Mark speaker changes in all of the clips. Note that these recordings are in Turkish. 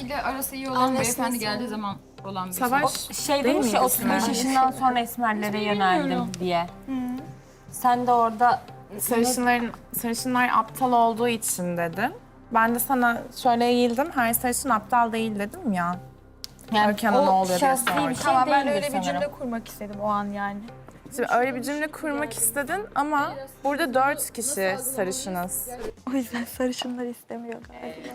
Speaker 1: ile arası iyi olan beyefendi geldiği zaman olan bir
Speaker 2: Savaş
Speaker 3: Şey
Speaker 2: değil
Speaker 3: demiş ya
Speaker 2: miydi
Speaker 3: 35
Speaker 2: sen?
Speaker 3: yaşından sonra esmerlere yöneldim diye. Sen de orada
Speaker 2: Sarışınlar aptal olduğu için dedim. Ben de sana şöyle eğildim, her sarışın aptal değil dedim ya.
Speaker 3: yani
Speaker 2: Erken'e ne oluyor diye
Speaker 3: şahsi bir
Speaker 2: sordum.
Speaker 3: şey
Speaker 4: Tamam ben
Speaker 3: değildir
Speaker 4: öyle bir
Speaker 3: sanırım.
Speaker 4: cümle kurmak istedim o an yani.
Speaker 2: Şimdi öyle bir cümle kurmak istedin ama burada 4 kişi sarışınız.
Speaker 4: O yüzden sarışınlar istemiyor galiba.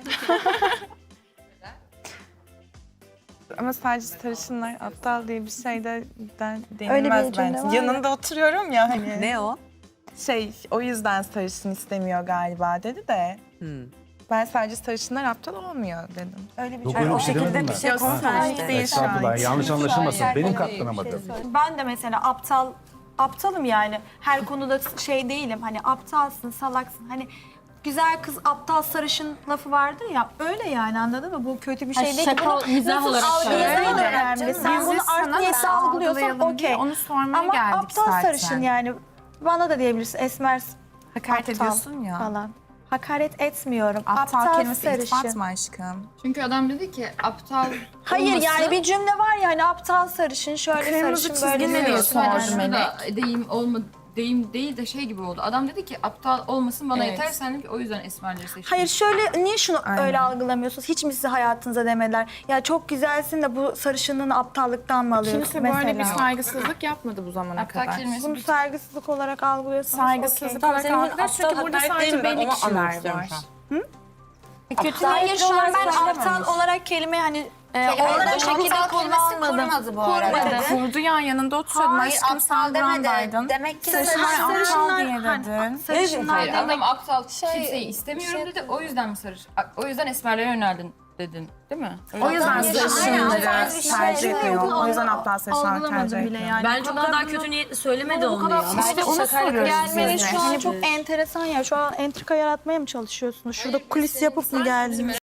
Speaker 2: Ama sadece sarışınlar aptal diye bir şey de
Speaker 4: Öyle bir
Speaker 2: denilmez
Speaker 4: cümle
Speaker 2: bence.
Speaker 4: var ya.
Speaker 2: Yanında oturuyorum ya hani.
Speaker 5: Ne o?
Speaker 2: O yüzden sarışın istemiyor galiba dedi de. Ben sadece sarışınlar aptal olmuyor dedim.
Speaker 4: Öyle bir
Speaker 6: Yok
Speaker 4: cümle.
Speaker 6: öyle
Speaker 4: o
Speaker 6: bir şey
Speaker 4: şekilde
Speaker 6: demedim
Speaker 4: bir
Speaker 6: ben.
Speaker 4: şey
Speaker 2: Yok,
Speaker 4: konuşmamış
Speaker 2: sen-
Speaker 4: değil şu an.
Speaker 6: Estağfurullah yanlış anlaşılmasın. Benim katlanamadım.
Speaker 4: Ben de mesela aptalım yani. Her konuda şey değilim. Hani aptalsın, salaksın. Hani güzel kız aptal sarışın lafı vardır ya. Öyle yani anladın mı? Bu kötü bir şey değil.
Speaker 3: şaka, mizah
Speaker 4: nasıl
Speaker 3: olarak
Speaker 4: algıladığın
Speaker 3: söylüyorum.
Speaker 4: da önemli. Sen bunu art niyesi algılıyorsan okey.
Speaker 2: Onu sormaya
Speaker 4: Ama
Speaker 2: geldik
Speaker 4: aptal
Speaker 2: zaten.
Speaker 4: sarışın yani. Bana da diyebilirsin esmer
Speaker 2: Hakaret
Speaker 4: aptal
Speaker 2: ediyorsun ya.
Speaker 4: falan. Hakaret etmiyorum.
Speaker 2: Aptal kelimesi
Speaker 4: sarışın.
Speaker 2: iltifat mı aşkım?
Speaker 1: Çünkü adam dedi ki aptal
Speaker 4: Hayır
Speaker 1: olması,
Speaker 4: yani bir cümle var ya hani aptal sarışın şöyle
Speaker 2: Kırmızı
Speaker 4: sarışın böyle
Speaker 2: çizgi ne
Speaker 4: sarışın.
Speaker 2: diyorsun?
Speaker 1: yani
Speaker 2: Sordum
Speaker 1: şurada deyim değil de şey gibi oldu. Adam dedi ki aptal olmasın bana
Speaker 2: Evet.
Speaker 1: yeter, sen de ki o yüzden esmerleri seçtin.
Speaker 4: Hayır şöyle niye şunu
Speaker 2: Aynen.
Speaker 4: öyle algılamıyorsunuz? Hiç mi size hayatınıza demediler? Ya çok güzelsin de bu sarışınlığını aptallıktan mı alıyorsun
Speaker 2: Kimse
Speaker 4: mesela?
Speaker 2: böyle bir saygısızlık yapmadı bu zamana
Speaker 1: Aptal
Speaker 2: kadar.
Speaker 1: kelimesi
Speaker 4: Bunu
Speaker 1: bir
Speaker 4: saygısızlık olarak algılıyorsanız
Speaker 2: Saygısızlık
Speaker 4: okey.
Speaker 2: olarak
Speaker 3: senin
Speaker 2: algılıyor çünkü
Speaker 3: aptal
Speaker 2: burada
Speaker 3: hakaret
Speaker 2: sadece
Speaker 3: değil, ben
Speaker 2: belli
Speaker 3: onu anlamak
Speaker 2: kişiler
Speaker 3: istiyorum
Speaker 2: var.
Speaker 3: şu an. Kötü
Speaker 4: Hayır
Speaker 3: niyetli
Speaker 4: şu an
Speaker 3: olarak
Speaker 4: ben
Speaker 3: söylememiş.
Speaker 4: aptal olarak kelime hani olarak şekilde kullanmadım.
Speaker 5: kurmadı bu arada.
Speaker 2: Kurdu ya yanında oturuyordun.
Speaker 5: Hayır,
Speaker 2: Aşkım sen
Speaker 5: aptal demedi.
Speaker 2: burandaydın.
Speaker 5: Demek ki
Speaker 2: Sarışınlar aptal
Speaker 4: sarışınlar-
Speaker 2: diye
Speaker 4: hani
Speaker 2: dedin.
Speaker 4: sarışınlar
Speaker 1: Hayır,
Speaker 4: demek.
Speaker 1: adam aptal kimseyi istemiyorum dedi. O yüzden mi o yüzden esmerlere yöneldin dedin, değil mi?
Speaker 2: O yüzden
Speaker 5: Aynen,
Speaker 2: sarışınları
Speaker 5: tarz bir şey
Speaker 2: tercih
Speaker 5: yok.
Speaker 2: ediyor. O yüzden aptal sarışınlar tercih
Speaker 4: Algılamadım
Speaker 2: ediyor.
Speaker 4: bile yani.
Speaker 3: Bence o kadar kötü niyetli söylemedi onu ya.
Speaker 2: İşte onu soruyoruz
Speaker 4: Gelmeniz
Speaker 2: size.
Speaker 4: şu an çok enteresan ya. Şu an entrika yaratmaya mı çalışıyorsunuz? Şurada kulis yapıp mı geldiniz?